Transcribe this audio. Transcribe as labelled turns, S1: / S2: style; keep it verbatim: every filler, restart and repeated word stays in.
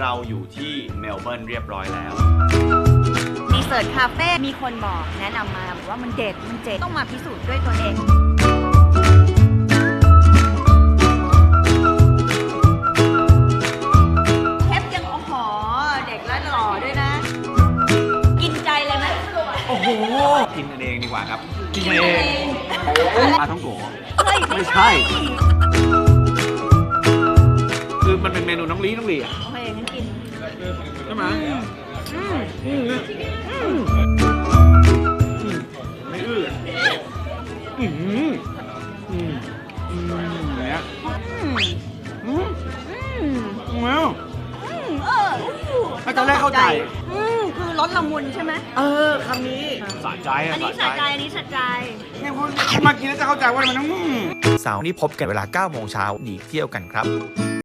S1: เราอยู่ที่เมลเบิร์นเรียบร้อยแล้ว
S2: ดีเซิร์ตคาเฟ่มีคนบอกแนะนำมาบอกว่ามันเด็ดมันเจ๋งต้องมาพิสูจน์ด้วยตัวเองเชฟยังโอ้โหเด็กและหล่อด้วยนะกินใจเลยไหม
S1: โอ้โหกินกันเองดีกว่าครับกินกันเองปลาท่องโกะไม่ใช่คือมันเป็นเมนูน้องลีน้องลีอ่ะ
S2: โอเคงั้นกิน
S1: ใช่ไหมอืมอืมอืมไม่อื้ออืมอืมอืมเนี่ยอืมอืมอืมว้าว
S2: เออ
S1: ไม่ตอนแรกเข้าใจ
S2: อืมคือรสละมุนใช่ไหม
S1: เออคำนี้สะใจอ่ะ
S2: อันนี้สะใจอันนี้สะใจ
S1: เนี่ยคุณมากินแล้วจะเข้าใจว่ามันต้อง
S3: เสาร์นี้พบกันเวลาเก้าโมงเช้าหนีเที่ยวกันครับ